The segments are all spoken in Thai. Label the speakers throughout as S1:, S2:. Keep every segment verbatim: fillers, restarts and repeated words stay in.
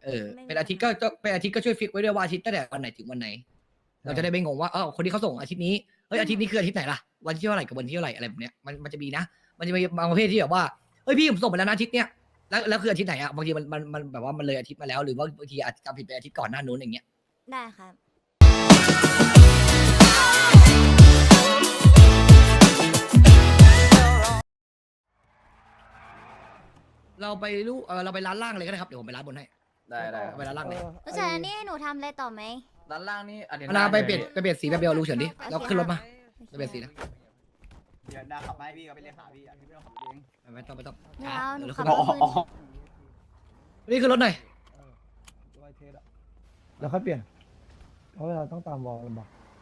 S1: เออเป็นอาทิตย์ก็เป็นอาทิตย์ก็ช่วยฟิกไว้ด้วยว่าอาทิตย์ตั้งแต่วันไหนถึงวันไหนเราจะได้ไม่งงว่าเออคนที่เขาส่งอาทิตย์นี้เฮ้ยอาทิตย์นี้คืออาทิตย์ไหนล่ะวันที่เท่าไหร่กับวันที่เท่าไหร่อะไรแบบเนี้ยมันมันจะมีนะมันจะมีบางประเภทที่แบบว่าเฮ้ยพี่ผมส่งไปแล้วนะอาทิตย์เนี้ยแล้วแล้วคืออาทิตย์ไหนอ่ะบางทีมันมันมันแบบว่ามันเลยอาทิตย์มาแล้วหรือว่าบางทีอาจจะจำผิดไปอาทิตย์ก่อนหน้านู้นอย่างเงี้ย
S2: ได้ครับ
S1: เราไปลูกเออเราไปร้านล่างเลยก็ได้ครับเดี๋ยวผมไปร้านบนให้
S3: ได้ได้
S1: เอาไปร้านล่างเลย
S2: ผู้ชายอันนี้ให้หนูทำอะไรต่อไหม
S3: ด้านล่างนี่อันนี้
S1: เอานาไปเปลี่ยนไปเปลี่ยนสีแบบเดียวลูกเฉินดิแล้วขึ้นรถมาไปเปลี่ยนสีนะ
S4: เดี๋ยวนาขับมาให้พี่ก็ไปเรียกหาพี่อ่ะพี่ไม่ต้องขับเอง
S1: ไม่ต้องไม่ต้อง
S2: ไม่เอาหนู
S1: ดี๋ยว
S2: ขับ
S1: ขึ้น
S2: ร
S1: ร
S2: ถ
S1: ถ
S2: มือ
S1: นี่คือรถหน่อย
S5: ไวเทสอะแล้วค่อยเปลี่ยนเพราะเวลาต้องตามวอลลำบาก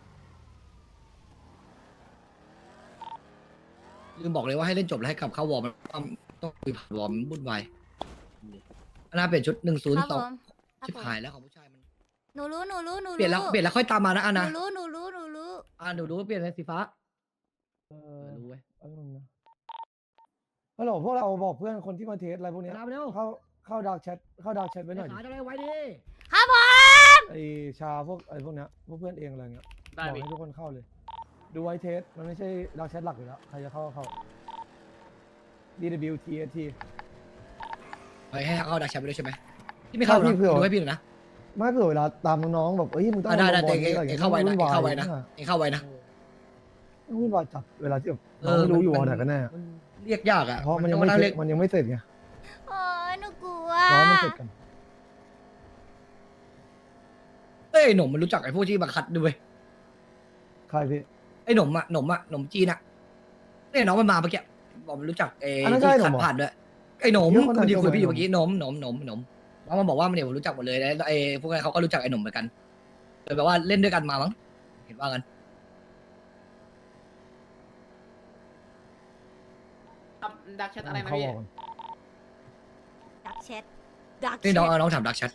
S1: ลืมบอกเลยว่าให้เล่นจบแล้วให้กลับเข้าวอร์มต้องต้องคุยผ่านวอร์มมันวุ่นวายอันน่าเปลี่ยนชุดหนึ่งศูน
S2: ค
S1: ย์
S2: รับ
S1: ต่อ
S2: ผมครับ
S1: ชิบ
S2: ผม
S1: หายแล้วของผู้ชายมัน
S2: หนูรู้หนูรู้หนูรู้
S1: เปลี่ยนแล้วเปลี่ยนแล้วค่อยตามมานะอัน
S2: หนู
S1: นะ
S2: รู้หนูรู้หนูรู้
S1: อ่าหนูรู้ว่าเปลี่ยนเป็นสีฟ้า
S5: เอ
S1: เอ
S5: อ
S1: อรู้เว้ย
S5: แป๊บนึงนะฮัลโหลพวกเราบอกเพื่อนคนที่มาเทสอะไรพวกเนี้ย
S1: ตามไปเร็ว
S5: เข้าเข้าดาร์กแชทเข้าดาร์กแชทไว้หน่อย
S1: ขา
S5: ดิ
S1: จะได้ไว้ดิ
S2: ครับผม
S5: ไอชาพวกไอพวกเนี้ยพวกเพื่อนเองอะไรเงี้ย
S3: ได้
S5: บอก
S3: พี่
S5: ให้ทุกคนเข้าเลย ดูไวเทสมันไม่ใช่ดาร์กแชทหลักอยู่แล้วใครจะเข้าก็เข้า ดี ดับเบิลยู ที เอส ที
S1: ไปให้เข้าดักแชมป์ไปด้วยใช่ไหมที่ไม่เข้าหรอ
S5: พี่เผื่อ
S1: ดูให้พี่หน่อยนะ
S5: ไม่เผื่อเวลาตามน้องๆแบบเอ้ยมึงต้อง
S1: อ่ะได้ได้
S5: ลงบ
S1: แต่
S5: อล
S1: เอง
S5: อะไร
S1: เอง
S5: งี้ย
S1: เข้าไว้นะเองเข้าไว้นะ
S5: วุ่
S1: เองเข้าไว้นะ
S5: ต้องวุ่นวายจัดเวลาที่แบบ
S1: เอ
S5: น้อง
S1: อ
S5: ไม่รู้อยู่
S1: มั
S5: วอน ไหนกันแน่
S1: มันเรียกยากอ่ะ
S5: เพราะมันยัง
S1: ต้
S5: ไม่
S1: นั่
S5: เส
S1: เรี
S5: ร็
S1: ย
S5: จ
S1: ก
S5: มันยังไม่เสร็จไง
S2: โอ้ยหนูกลัว
S5: ร้อนไม่เสร็จกัน
S1: เอ้ยหนุ่มมันรู้จักไอ้พวกที่มาคัดด้วย
S5: ใครพี่
S1: ไอ้หนุ่มอ่ะหนุ่มอ่ะหนุ่มจีนอ่ะเนี่ยน้องมันมาเมื่อกี้บอกมันรู้จักไอ้
S5: อันนั้น
S1: ที่
S5: ใช่หนุ่
S1: คัด
S5: มเหรอ
S1: ผ่านด้วยไอ้หนุ่ม
S5: เดี๋ยวคนไหน
S1: มันที่คุย
S5: จะ
S1: พี่อยู่
S5: มา
S1: เมื่อกี้หนุ่มหนุ่มหนุ่มหนุ่มแล้วมันบอกว่ามันเนี่ยผมรู้จักหมดเลยแล้วไอ้พวกนั้นเขาก็รู้จักไอ้หนุ่มเหมือนกันเลยแบบว่าเล่นด้วยกันมามั้งเห็นว่ากัน
S3: ดักแชทอะไรนะ
S5: เขา
S3: พี่
S5: บอกกัน
S2: ดักแชทดักแช
S1: นี่น้อง
S2: ท
S1: เอาน้องถามดักแชท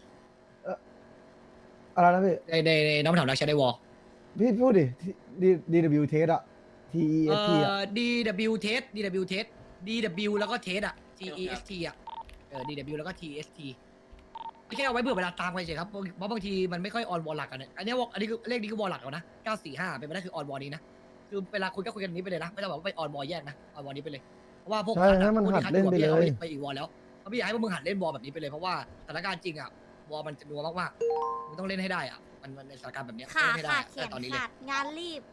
S5: อะไรนะพี่
S1: ในในในน้องถามดักแชทในวอล
S5: พี่พูดดิ ดี ดับเบิลยู test อะ T E
S1: เอ่
S5: S T อะ
S1: อ ดี ดับเบิลยู test ดี ดับเบิลยู test ดี ดับเบิลยู แล้วก็ test อ่ะ T E S T อ่ะเออ ดี ดับเบิลยู แล้วก็ T S T ไม่แค่เอาไว้เบื่อเวลาตามไปเฉยครับเพราะบางทีมันไม่ค่อยออนวอลหลักกันเนี่ยอันนี้วอลอันนี้คือเลขนี้คือวอลหลักแล้วนะเก้าสี่ห้าเป็นไปได้คือออนวอลนี้นะคือเวลาคุยก็คุยกันนี้ไปเลยนะไม่ต้องแบบว่าไปออนวอลแยกนะออนวอลนี้ไปเลยเพราะว่าพวก
S5: ใช่ให้มัน
S1: พวก
S5: หัด
S1: ที่คั
S5: เล่น
S1: อยู่
S5: ไป
S1: อะ
S5: เลย
S1: พี่อาไปอีกวอลแล้วเพราะพี่อยากให้พวกมึงหัดเล่นวอลแบบนี้ไปเลยเพราะว่าสถานการณ์จริงอ่ะวอลมันจะนัวมากๆมึงต้องเล่นให้ได้อ่ะมันมันในสถานการณ์แบบเนี้ย
S2: ขา
S1: เล่นให้ได้
S2: ขาด
S1: อะ
S2: แข
S1: แต่
S2: น
S1: ตอนนี้เลย
S2: ขาดงานรีบ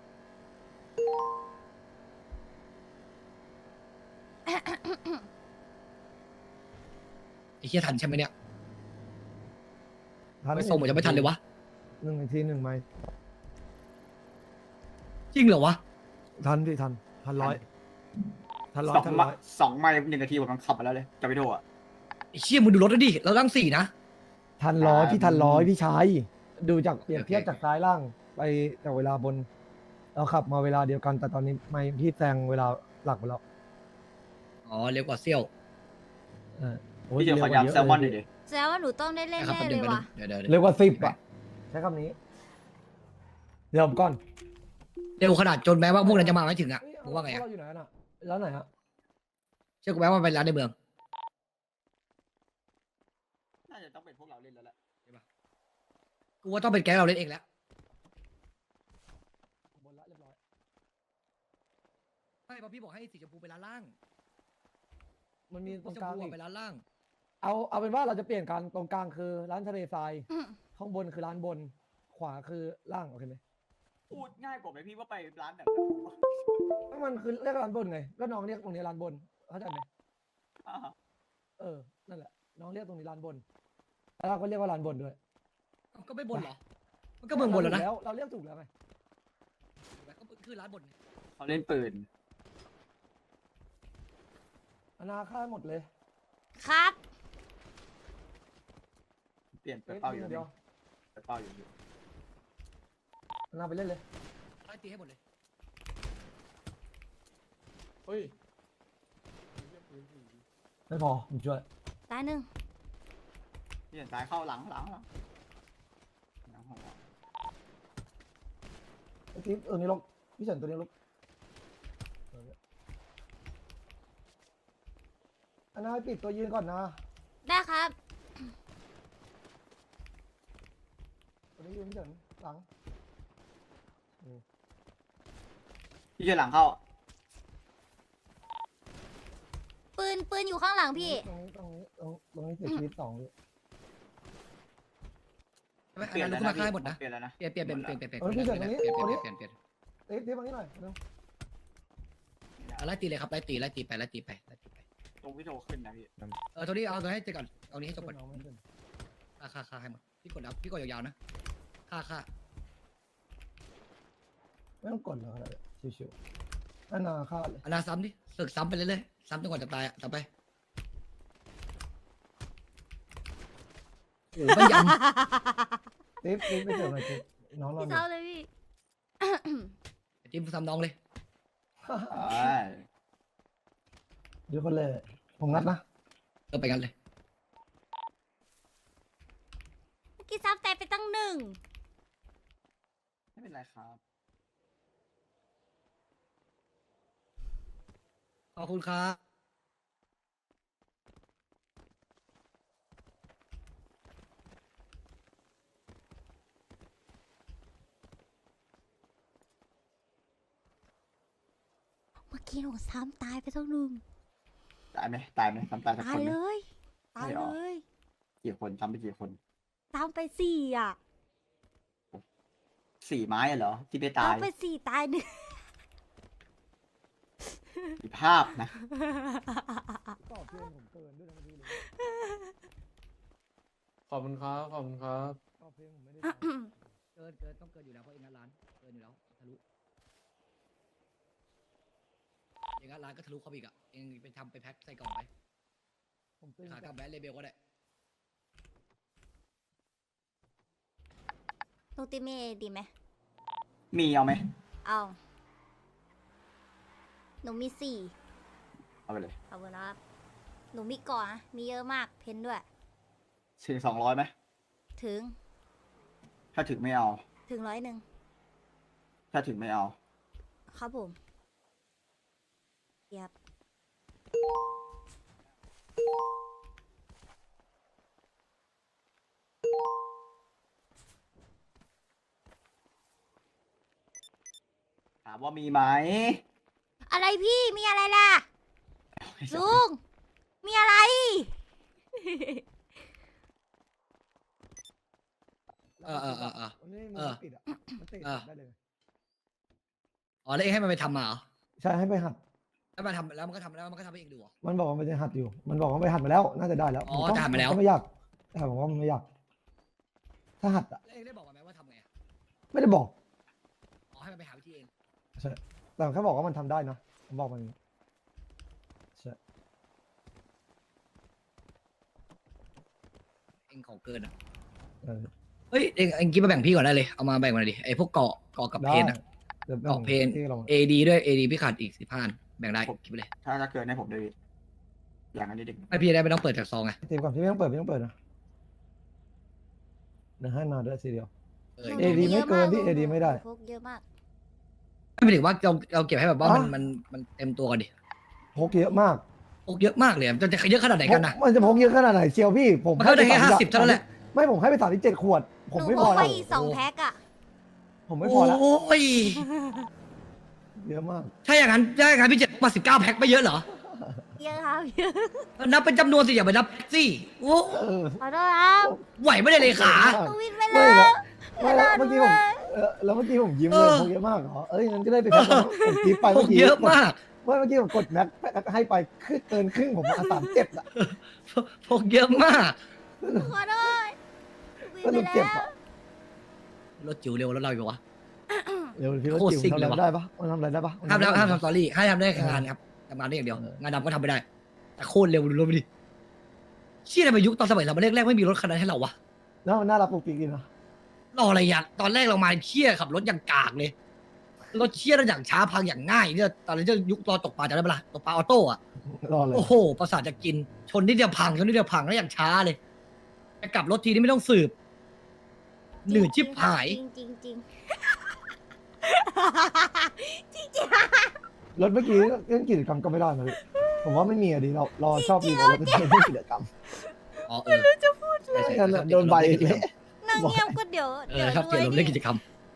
S1: ไอ้เหี้ยทันใช่ไหมเนี่ย
S5: ทัน
S1: ไม่ส่งเหมือนจะไม่ทันเลยวะ
S5: หนึ่งนาทีหนึ่งไมล์
S1: จริงเหรอวะ
S5: ทันพี่ทัน ทันร้อย ทันร้อ
S4: ส
S5: ย
S4: อง
S5: ทัน
S4: ไม
S5: ร้อย
S4: ล์สองไมล์หนึ่งนาทีผมมันขับมาแล้วเลยจะไปโทษอ่ะ
S1: ไอ้เชี่ยมึงดูรถแล้วดิเราตั้งสี่นะ
S5: ทันร้อย
S4: อ่า
S5: พี่ทันร้อยพี่ชายดูจากเปรียบ
S1: โอเค
S5: เทียบจากซ้ายล่างไปจากเวลาบน เราขับมาเวลาเดียวกัน แต่ตอนนี้ไม่พี่แซงเวลาหลักไปแล้ว
S1: อ๋อเร็วกว่าเซี่ยว
S5: เออโอ้ย
S4: พี่จะขอ
S5: เร็วก
S4: ยำ
S5: ว่า
S4: แซลมอนหน่อยดิ
S2: แสดงว่าหนูต้องได้เล่น
S1: นะครับ
S2: แน่
S1: แป๊บ
S2: เล
S1: นึง
S2: ย
S1: แป๊บนึ
S2: ว่ะ
S1: งเดี๋ยวเดี๋ยว
S5: เร็วกว่าสิบอ่ะใช้คำนี้ เดี๋ยวผมก่อน
S1: เร็วขนาดจนแม้ว่าพวกนั้นจะมาไม่ถึงอ่ะมึงว่าไง
S5: พ
S1: อ่ะ
S5: เราอยู่ไหนกันอ่ะร้านไหนฮะ
S1: เชื่อกูไหมว่ามันเป็นร้านในเมือง
S4: น่าจะต้องเป็นพวกเราเล่นแล้วแหละ
S1: กูว่าต้องเป็นแก๊งเราเล่นเองแล้ว
S5: บนละเรียบร้อย
S1: ไม่เพราะพี่บอกให้สีชมพูไปร้านล่าง
S5: มันมีต
S1: สี
S5: รง
S1: ชม
S5: กลาง
S1: พู
S5: อี
S1: อะ
S5: ก
S1: ไปร้านล่าง
S5: เอาเอาเป็นว่าเราจะเปลี่ยนกันตรงกลางคือร้านทะเลทราย
S2: อืม
S5: ข้างบนคือร้านบน ขวาคือล่างโอเคไหม
S4: พูดง่ายกว่าไหมพี่ว่าไปร้านแบบนั้นผมว่า
S5: ก็มันคือเรียกร้านบนไงก็น้องเรียกตรงนี้ร้านบนเข้าใจไหม
S4: อ่า
S5: เออนั่นแหละน้องเรียกตรงนี้ร้านบนแล้วเราก็เรียกว่าร้านบนด้วย
S1: เอ้าก็ไม่บนเหรอ มันก็เมืองบนแล้วนะ
S5: เราเราเรียกถูกแล้วไง
S1: ก็คือร้านบน
S4: เขาเล่นปืน
S5: อนาค่าหมดเลย
S2: ครับ
S4: เปลี่ยนไป
S5: เอ๊ะ
S4: เป้าอยู่
S5: เดียว
S4: ไปเป้าอยู่
S5: อนาไปเล่นเลย
S1: ไล่ตีให้หมดเลย
S5: เฮ้ยไม่พอผมช่วย
S2: ตายหนึ่ง
S4: เปลี่ยนซ้ายเข้าหลังหลังหลังหลังหัว
S5: เมื่อกี้เออนี่ลกพี่เฉินตัวนี้ลกอนาให้ปิดตัวยืนก่อนนะ
S2: ได้ครับ
S5: นี้ยืนเฉินหลัง
S4: พี่เฉินหลังเข้า
S2: ปืนปืนอยู่ข้างหลังพี่
S5: ตรงนี้ตรงนี้ตรงตรงนี้เสียชีวิตสองเลย
S1: ไม่
S4: เปลี่ย
S1: อั
S4: น
S1: น
S4: แล้
S1: นั้
S4: วน
S1: ลุก
S4: นะ
S1: มาค่ายหมดนะ
S4: เปลี่ยนแล้วนะ
S1: เปลี่ยนเปลี่ยนเปลี่ยนเปลี่ยนเปลี่ยนเปลี่ยน
S5: เออพี่เฉินตรงนี้
S1: เปลี่ยน
S5: ตรง
S1: เป
S5: นี้
S1: ลี่ยนเปลี่ยนเปลี่ยน
S5: เอ๊ะเทียบมานี่หน่อยเร็ว
S1: เอาไล่ตีเลยครับไล่ตีไล่ตีไปไล่ตีไปไล่ตีไป
S4: ตรงพี่โทขึ้นนะพี่
S1: เออตัวนี้เอาตัวให้เจอก่อนเอานี้ให้จบก่อน
S5: เอาไม่เป็น
S1: ค่าค่าค่าให้หมดพี่กดอัพพี่กดยาวๆนะค่าค่า
S5: ไม่ต้องกดหรอกอะไรชิวๆอันนาฆ่าเลย
S1: อันนาซ้ำดิสึกซ้ำไปเรื่อยๆซ้ำจนกว่าจะตายอ่ะต่อไปโอ้ไม่ยัน
S5: ติ๊บติ๊บไปเจอหน่อยติ๊บน้องรอ
S2: พี่
S5: อ
S2: เศร้า
S5: ยู่
S2: เลยพี่
S1: จิ้มซ้ำน้องเลย
S4: ใช่
S5: เดี๋ยวคนเลยผมงัดนะ
S1: เออไปกันเลย
S2: เมื่อกี้ซ้ำแต่ไปตั้งหนึ่ง
S4: ไม่เป็นไรครับ
S1: ขอบคุณครับ
S2: เมื่อกี้หนูซ้ำตายไปตั้งหนึ่ง
S4: ตายไหมตายไหมทำตายสัก
S2: ตา
S4: ค
S2: ย
S4: นไหม
S2: เลยตาย
S4: ไม่หร
S2: เล
S4: อ
S2: ย
S4: กี่คนทำไปกี่คน
S2: ซ้ำไปสี่อ่ะ
S4: สี่ไม้เหรอที่ไม่ตาย
S2: ซ้ำไปสี่ตายหนึ่ง
S4: มีภาพนะ
S5: ตอบเพลงผมเกินด้วยนะเมื่อกี้เลย
S6: ขอบคุณครับ ขอบคุณครับ
S5: ตอบเพลงผมไม่ได้
S1: เกินเกินต้องเกินอยู่แล้วเพราะเองงัดร้านเกินอยู่แล้วทะลุเองงัดร้านก็ทะลุเข้าไปอีกอ่ะเองไปทำไปแพ็คใส่กล่องไป
S5: ผมตึง
S1: ขากลับแบรนด์เลเบลก็ได้
S2: ลูกติเมดีไหม
S4: มีเอาไหม
S2: เอา หนูมีสี่
S4: เอาไปเลย
S2: ขอบคุณครับ หนูมีก่อนนะมีเยอะมาก เพนด้วย
S4: สี่สองร้อยไหม
S2: ถึง
S4: ถ้าถึงไม่เอา
S2: ถึงร้อยหนึ่ง
S4: ถ้าถึงไม่เอา
S2: ครับผมเยียบ
S4: ถามว่ามีไหม
S2: อะไรพี่ มีอะไรล่ะ ลุง มีอะไร
S1: เออเออเออเออ
S5: วันนี้มั
S1: เออ
S5: นปิดอ่ะมันติด
S1: เออ
S5: ได้เลย
S1: อ๋อแล้วเองให้มันไปทำมาเหรอ
S5: ใช่ให้ไปหัด
S1: แล้วมันทำแล้วมันก็ทำแล้วมันก็ทำให้เองดูเหรอ
S5: มันบอกว่ามันจะหัดอยู่ มันบอกว่าไปหัดมาแล้ว น่าจะได้แล้ว
S1: อ๋อ
S5: ผก็
S1: จะหัดมาแล้ว
S5: ก็ไม่ยากแต่ผมว่ามันไม่ยาก ถ้าหัดอ่ะ
S1: แล้วเองได้บอกมันไหมว่าทำไงอะ
S5: ไม่ได้บอก
S1: อ๋อให้มันไปหาวิธีเอง
S5: ใช่ แต่แค่บอกว่ามันทำได้นะ ผมบอกมันอย่างนี้ใช่
S1: เองของเกินอ่ะ
S5: เออ
S1: เฮ้ยเองเองกินมาแบ่งพี่ก่อนได้เลยเอามาแบ่งมาหน่อยดิไอพวกเกาะเกาะกับเพนอะ
S5: เดี๋ยว
S1: เกาะเพน
S5: ที่เรา
S1: เอดีด้วยเอดีพี่ขาดอีกสิบห้าแบ่งได้คิดไปเลย
S4: ถ้าจะเกินให้ผมด้วยพี่อย่างนั้นนิดนึง
S1: ไม่พี่ได้ไม่ต้องเปิดจากซองไง
S5: ทีมก่อนพี่ไม่ต้องเปิดไม่ต้องเปิดนะเดี๋ยวให้มาด้วยทีเดียว
S1: เออ
S2: ห
S5: เอ
S2: นู
S5: ดี
S2: ยะ
S5: ไม่เกินพี่
S2: าก
S5: เอดีไม่ได้
S2: หนูพกเยอะมาก
S1: ไม่หมายถึงว่าเราเราเก็บให้แบบว่ามัน
S5: อ๋อ
S1: มันมันเต็มตัวก่อนดิ
S5: พกเยอะมาก
S1: โอ้เยอะมากเลยอะมันจะเยอะขนาดไหนกันนะ
S5: พมันจะพกเยอะขนาดไหนเชียวพี่ ผม
S1: มันก็ได้แค่
S5: ป
S1: ห้า
S5: สม
S1: สิบเท่านั้นแหละ
S5: ไม่ผมให้ไปสามสิบเจ็ดขวด ผม
S2: หนู
S5: ไม่
S2: พ
S5: พอก
S2: ไป
S5: แล้ว
S2: อีกสองแพ็คอะ
S5: ผมไม่พอแล้ว
S1: โอ้ย
S5: เยอะมาก
S1: ถ้าอย่างนั้นถ้าอย่างนั้นพี่เจ็ดมาสิบเก้าแพ็คไม่เยอะเหรอ
S2: เยอะครับเยอะ
S1: นับเป็นจำนวนสิอย่าไปนับสิโอ้
S5: เออ
S2: ขอโทษครับ
S1: ไหวไม่ได้เลยขา
S2: หนูวินไป
S5: ไม่
S2: แล้
S5: แล้ว
S2: ว
S5: ไม่แล้วเมื่อกี้ผมเออแล้วเมื่อกี้ผมยิ้ม
S1: เอ
S5: เลย
S1: อ
S5: พกเยอะมากเหรอ เอ้ยงั้นก็ได้ไปแพ็คแล้วผมคิดไป
S1: พ
S5: เมื่
S1: ก
S5: อกี้
S1: เยอะมาก
S5: เมื่อกี้ผมกดแม็กให้ไปขึ้นเกินครึ่งผมมาสามเจ็ดอะ
S1: พกเยอะมาก
S2: ขอโทษหนู
S5: ก็
S2: วิน
S5: รู้
S2: ไป
S5: เจ็บ
S2: แล้ว
S5: อะ
S1: รถจิ๋วเร็วแล้วเราอยู่วะ
S5: เดี๋ยวพี่ว่า
S1: โคตร
S5: จิ๋ว
S1: ซิ่ง
S5: ทำ
S1: เล
S5: อะไร
S1: ยวะ
S5: ได้ปะมันทำอะไรได้ปะ
S1: ห้ามแล้วห้ามทำส
S5: ต่
S1: ตอรี่ให้ทำได้แค่งานครับทำงานได้อย่างเดียว
S5: เออ
S1: งานดำก็ทำไม่ได้ แต่โคตรเร็วดูรถไปดิเชี่ยทำไมยุคตอนสมัยเรามาแรกๆไม่มีรถคันนั้นให้เราวะ
S5: แล้วมันน่ารักปุกปิกดีนะ
S1: รออะไรอย่างตอนแรกเรามาเชี่ยขับรถอย่างกากเลยรถเชี่ยแล้วอย่างช้าพังอย่างง่ายเนี่ยตอนนี้จะยุครอตกปลาจะได้ปะล่ะตกปลาออโต้อะ
S5: รอเลย
S1: โอ้โห ประสาทจะกิน ชนนิดเดียวพัง ชนนิดเดียวพังแล้วอย่างช้าเลยจะกลับรถทีนี้ไม่ต้องสืบ หนืดชิบหาย
S2: จริงจริงจริง
S5: รถเมื่อกี้เล่นกิจกรรมก็ไม่ได้นะพี่ผมว่าไม่มีอะดีเราเราชอบมีแต่รถเป็นเล่นกิจกรรม
S1: อ๋อเออจะพูดเลย
S5: งั้นอะโดนใบเละ
S2: หนูนั่งเงียบก็เดี๋ยว
S1: เอ
S2: เดี๋ย
S1: อ
S2: ว
S1: ครับ
S2: ด้
S1: เกี่ยว
S2: วย
S1: กับ
S2: ดิ
S1: เรื่องกิจกรรม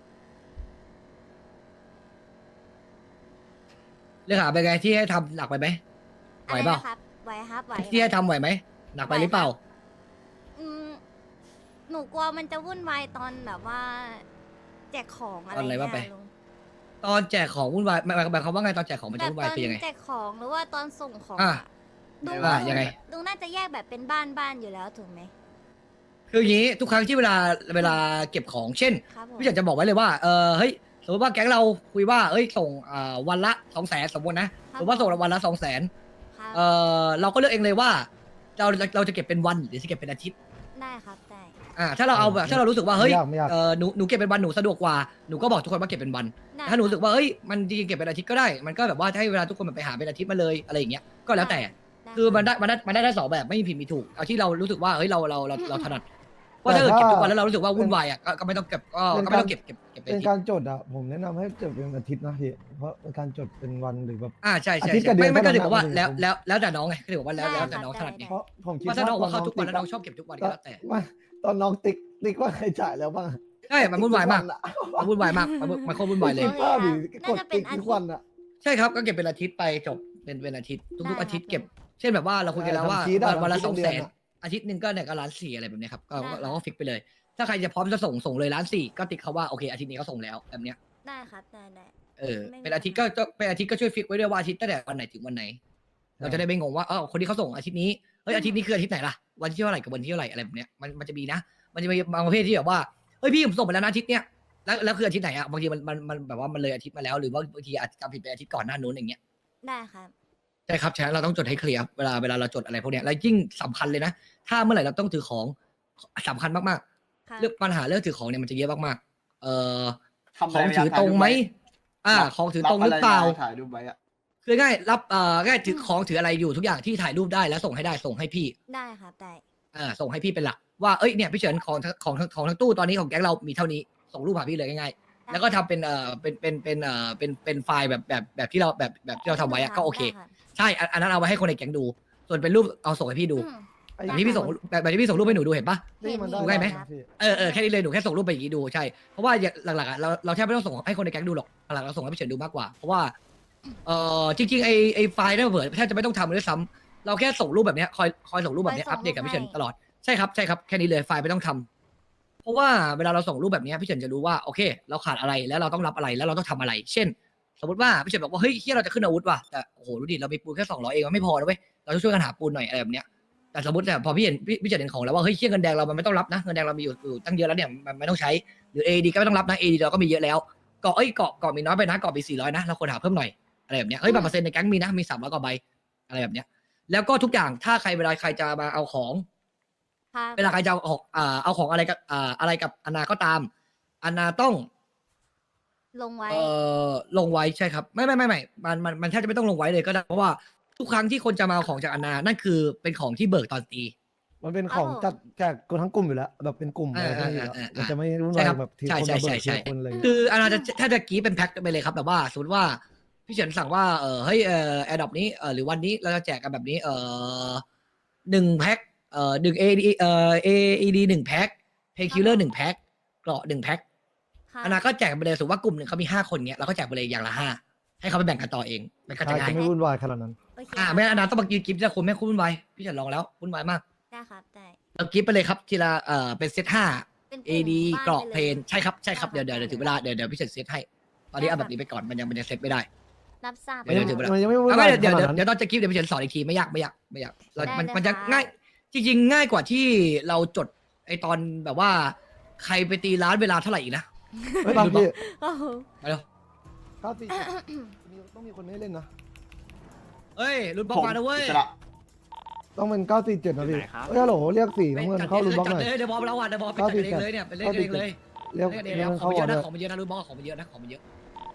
S1: เรื่องหาไปนไงที่ให้ทำหนักไปไหมไหวเปล่า
S2: อะไรนะครับไหวครับไหว
S1: ที่ให้ทำไหวไหมหนักไปหรือเปล่า
S2: อืมหนูกลัวมันจะวุ่นวายตอนแบบว่า แจกของอะไร
S1: ตอนอะไรว่าไป
S2: เงี้ยลุง
S1: ตอนแจกของวุ่นวายหมายหมายความว่าไงตอนแจกของมัน
S2: แบ
S1: จะ
S2: บ
S1: วุ่น
S2: ต
S1: วาย
S2: อน
S1: คือยังไง
S2: แจกของหรือว่าตอนส่งของ
S1: อ่ะ
S2: อะลุง
S1: อ่ะยังไง
S2: ลุงน่าจะแยกแบบเป็นบ้านบ้านอยู่แล้วถูกไหม
S1: คืออย่างนี้ทุกครั้งที่เวลาเวลาเก็บของเช่น
S2: ครับผม
S1: พี่อยากจะบอกไว้เลยว่าเออเฮ้ยสมมติว่าแก๊งเราคุยว่าเอ้ยส่งอ่าวันละสองแสนสมมตินะสมมติว่าส่งวันละสองแสน
S2: ครับ
S1: เออเราก็เลือกเองเลยว่าเราเราจะเก็บเป็นวันหรือจะเก็บเป็นอาทิตย์
S2: ได้ครับได้
S1: อ่าถ้าเราเอาแบบถ้าเรารู้สึกว่าเฮ้ย
S5: ไม่ยากไม่ยาก
S1: เออหนูหนูเก็บเป็นวันหนูสะดวกกว่าหนูก็บอกทุกคนว่าเก็บเป็นวัน
S2: ได้
S1: ถ้าหนูรู้สึกว่าเฮ้ยมันจริงๆเก็บเป็นอาทิตย์ก็ได้ มันก็แบบว่าให้เวลาทุกคนแบบไปหาเป็นอาทิตย์มาเลยอะไรอย่างเงี้ยก็แล้วแต่
S2: ได้
S1: คือมันได้มันได้มันได้ทั้งสองแบบไม่มีผิดมีถูกเอาที่เรารู้สึกว่าเฮ้ยเราเราเราเราถนัดว่าถ้าเกิดเก็บทุกวันแล้วเรารู้สึกว่าวุ่นวายอ่ะก็ก็ไม่ต้องเก็บก็ก็ไม่ต้องเก็บเก็บเก็บเป็น
S5: เป็น
S1: อาทิต
S5: การ
S1: ย์
S5: จดอ่ะผมแนะนำให้จดเป็นอาทิตย์นะพี่เพราะเป็นการจดเป็นวันหรือแบบ
S1: อ่าใช่ใช่
S5: อาทิตย์กั
S1: ใช่
S5: บเดือน
S1: ไม่ไม่ก็
S5: เท่านั้น
S1: ถือบอกว่า
S5: นะ
S1: แล้ว
S5: ผม
S1: แล้วแล้วแต่น้องไงก็ถือบอกว่าแล้วแล้วแต่น้องถนัดไง
S5: เพราะผมคิด
S1: ว่าถ้าน้องบอกว่าเข้าทุกวัน
S5: ต
S1: แล้วน้องชอบเก็บทุกวันก็แล้วแต่
S5: ไม่ตอนน้องติ๊กติ๊กว่าใครจ่ายแล้วบ้าง
S1: ใช่มันวุ่นวายมากมันวุ่นวายมากมันมันโคตรวุ่นวายเลย
S5: ติ๊กว่าดิกดติ๊กทุกวันอ่ะ
S1: ใช่ครับก็เก็บเป็นอาทิตย์ไปจบเป็นเป็นอาทิตย์ทุกๆอาทิตย์เก็บ เช่นแบบว่าเราคุยกันแล้วว่า
S5: ทำชีทอะ
S1: วันวันละ
S5: ทำชีท
S1: สอง
S5: เดื
S1: แส
S5: อน
S1: น
S5: อะ
S1: อาทิตย์หนึ่งก็เนี่ยก็ล้านสี่อะไรแบบเนี้ยครับก็
S2: ได้
S1: เราก็ฟิกไปเลย ถ้าใครจะพร้อมจะส่งส่งเลยล้านสี่ก็ติ๊กเขาว่าโอเคอาทิตย์นี้เขาส่งแล้วแบบเนี้ย
S2: ได้ครับได้ได้
S1: เออ
S2: ไม่มี
S1: เป็นอาทิตย์ก็ก็เป็นอาทิตย์ก็ช่วยฟิกไว้ด้วยว่าอาทิตย์ตั้งแต่วันไหนถึงวันไหน เราจะได้ไม่งงว่าเออคนที่เขาส่งอาทิตย์นี้เฮ้ยอาทิตย์นี้คืออาทิตย์ไหนล่ะวันที่เท่าไหร่กับวันที่เท่าไหร่อะไรแบบเนี้ยมันมันจะมีนะ มันจะมีบางประเภทที่แบบว่าเฮ้ยพี่ผมส่งไปแล้วนะอาทิตย์เนี้ยแล้วแล้วคืออาทิตย์ไหนอะบางทีมันมันมันแบบว่ามันเลยอาทิตย์มาแล้วหรือว่าบางทีอาจจะจำผิดไปอาทิตย์ก่อนหน้านู้นอย่างเงี้ย
S2: ได้ครับ
S1: ใช่ครับฉะนั้นเราต้องจดให้เคลียร์เวลาเวลาเราจดอะไรพวกเนี้ยแล้วยิ่งสำคัญเลยนะ ถ้าเมื่อไหร่เราต้องถือของสำคัญมาก
S2: ครับ
S1: ๆเรื่องปัญหาเรื่องถือของเนี่ยมันจะเยอะมากๆเอ่อ
S4: ทำ
S1: ข
S4: อะ
S1: อง
S4: ไว้
S1: ถือตรงไหมอ่า
S4: รับ
S1: ของถือตรงหรือเปล่า
S4: บะไมถ่ายรูปไว้อะ
S1: คือง่ายรับเอ่อง่ายถือของถืออะไรอยู่ทุกอย่างที่ถ่ายรูปได้แล้วส่งให้ได้ส่งให้พี่
S2: ได้ครับได้
S1: อ่าส่งให้พี่เป็นหลักว่าเอ้ยเนี่ยพี่เฉินของทั้งของทั้งของทั้งตู้ตอนนี้ของแก๊งเรามีเท่านี้ส่งรูปหาพี่เลยง่ายๆแล้วก็ทำเป็นเอ่อเป็นเป็นเป็นเอ่อเป็นเป็นไฟล์แบบแบบแบบที่เราแบบแบบที่เราทำไว้อะก็โอเค
S2: ได้รับ
S1: ใช่อันอันนั้นเอาไว้ให้คนในแก๊งดู ส่วนเป็นรูปเอาส่งให้พี่ดู
S2: อืม
S5: ไอ้
S1: แบบที่พี่ส่งแบบแบบที่พี่ส่งรูปให้หนูดูเห็นปะ
S5: นี่มันได้
S1: ดูง่ายไหม
S5: พี่
S1: เออเออแค่นี้เลยหนูแค่ส่งรูปไปอย่างนี้ดูใช่เพราะว่าอย่างหลักๆอะเราเราแทบไม่ต้องส่งให้คนในแก๊งดูหรอกหลักๆเราส่งให้พี่เฉินดูมากกว่าเพราะว่าเออจริงๆไอไอไฟล์นั่นเผื่อแทบจะไม่ต้องทำเลยด้วยซ้ำเราแค่ส่งรูปแบบเนี้ยคอยคอยส่งรูปแบบเนี้ย
S2: คอยส่
S1: อั
S2: ง
S1: ปเดตกับ
S2: รูป
S1: พี่เฉิน
S2: ให้
S1: ตลอดใช่ครับใช่ครับแค่นี้เลยไฟล์ไม่ต้องทำเพราะว่าเวลาเราส่งรูปแบบเนี้ยพี่เฉินจะรู้ว่าโอเค เราขาดอะไรแล้วเราต้องรับอะไรแล้วเราต้องทำอะไร เช่น สมมติว่าพี่เฉินบอกว่าเฮ้ยเฮียเราจะขึ้นอาวุธว่ะแต่โอ้โหดูดิเรามีปูนแค่สองร้อยเองมันไม่พอนะเว้ยเราต้องช่วยกันหาปูนหน่อยอะไรแบบเนี้ย แต่สมมติแต่พอพี่เห็นพี่พี่เฉินเห็นของแล้วว่าเฮ้ยเชี่ยเงินแดงเรามันไม่ต้องรับนะเงินแดงเรามีอยู่อยู่ตั้งเยอะแล้วเนี่ยมันไม่ต้องใช้หรือ เอ ดี ก็ไม่ต้องรับนะ เอ ดี เราก็มีเยอะแล้วเกาะเอ้ยเกาะเกาะมีน้อยไปนะเกาะมีสี่ร้อยนะเราควรหาเพิ่มหน่อยอะไรแบบเนี้ยเฮ้ยบัตรเปอร์เซ็นต์ในแก๊งมีนะมีสามร้อยกว่าใบอะไรแบบเนี้ยแล้วก็ทุกอย่างถ้าใครเวลาใครจะมาเอาของ
S2: ครับ
S1: เวลาใครจะเอาของอ่าเอาของอะไรกับอ่าอะไรกับอนาก็ตามอนาต้อง
S2: ลงไว้
S1: เอ่อลงไว้ใช่ครับไม่ไม่ไม่ไม่มันมันมันแทบจะไม่ต้องลงไว้เลยก็ได้เพราะว่าทุกครั้งที่คนจะมาเอาของจากอนานั่นคือเป็นของที่เบิกตอนตี
S5: มันเป็นของจัดแจกกันทั้งกลุ่มอยู่แล้วแบบเป็นกลุ่มอะไรทั้งอยู่แล้ว
S1: เออเออเออ
S5: มันจะไม่รุ่น
S1: ใช่
S5: วาย
S1: ครับ
S5: แบบที
S1: ใช่
S5: คน
S1: ใช่
S5: มาเบิก
S1: ใช่ใช่
S5: ทีละคนเลย
S1: คืออนาจะถ้าจะกี้เป็นแพ็คไปเลยครับแบบว่าสมมติว่าพี่เฉินสั่งว่าเออเฮ้ยเออแอร์ดรอปนี้เออหรือวันนี้เราจะแจกกันแบบนี้เออหนึ่งแพ็คเออหนึ่งเอดีเออเอดีหนึ่งแพ็คเพย์คิลเลอร์หนึ่งแพ็คเกราะหนึ่งแพ็ค
S2: ครับ
S1: อนาก็แจกไปเลยสมมติว่ากลุ่มหนึ่งเขามีห้าคนเนี้ยเราก็แจกไปเลยอย่างละห้าให้เขาไปแบ่งกันต่อเองมันก็จะ
S5: ใช่
S1: ง่าย
S5: จะไม่วุ่นวายขนาดนั้น
S2: โอเค
S1: อ่าไม่งั้นอนาต้องมากินกิฟต์จะคนไม่คุ้นวุ่นวายพี่เฉินลองแล้ววุ่นวายมาก
S2: ได้ครับได้
S1: เรากิฟต์ไปเลยครับทีละเออเป็นเซตห้า
S2: เป็นก
S1: เอ
S2: ลุ่ม
S1: ดี
S2: บ้
S1: เกราะ
S2: ไป
S1: เพนใช่ครับใช่ครับเดี๋ยวเดี๋ยวเดี๋ยวถึงเวลาเดี๋ยวเดี๋ยวพี่เฉินเซตให้ตอนนี้เอาแบบนี้ไปก่อนมันยังมันยังเซตไม่ได้
S2: รับทราบ
S1: เดี๋ยวเดี๋ยว
S2: ครับ
S5: มันยังไม่วุ่น
S1: เอา
S5: วา
S1: ไม่
S5: ย
S1: เดี๋ยว
S5: ข
S1: เดี๋ยว
S5: นาดนั้น
S1: เดี๋ยวตอนจะคลิปเดี๋ยวพี่เฉินสอนอีกทีไม่ยากไม่ยากไม่ยากเรา
S2: ได้
S1: มัน
S2: เลย
S1: มันจะ
S2: ครับ
S1: ง่าย จริง ๆ ง่ายกว่าที่เราจดไอตอนแบบว่า ใครไปตีร้านเวลาเท่าไหร่อีกนะ
S5: ไม่บางพี่
S2: โอ้โห
S1: ไปเร็ว
S5: เก้าสี่มีต้องมีคนไม่ให้เล่นนะ
S1: เฮ้ยรุ่นบล็อ
S4: ผ
S1: ก
S4: ม
S1: มานะเว้ย
S4: อิสระ
S5: ต้องเป็นเก้าสี่เจ็ดนะพี่เอ้ยฮัลโหลเรียกสีน้ำเงินเข้ารุ่นบล็อกหน่อย
S1: จัดเลยเดี๋ยวบอลเราอ่ะเดี๋ยวบอลไปจัดกันเองเลยเนี่ยเป็นเล่นกันเองเลย
S5: เรียก
S1: เล่นกันเอ
S5: เรี
S1: ง
S5: ยก
S1: เลยของ
S5: เข้า
S1: มันเย
S5: ก่อ
S1: อะ
S5: น
S1: นะ
S5: ด้วย
S1: ของมันเยอะนะรุ่นบล็อกของมันเยอะนะของมันเยอะ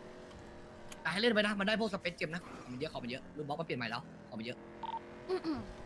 S1: แต่ให้เล่นไปนะมันได้พวกสเปซเจมนะของมันเยอะของมันเยอะรุ่นบล็อกมาเปลี่ยนใหม่แล้วของมันเยอะ
S2: อืมอืม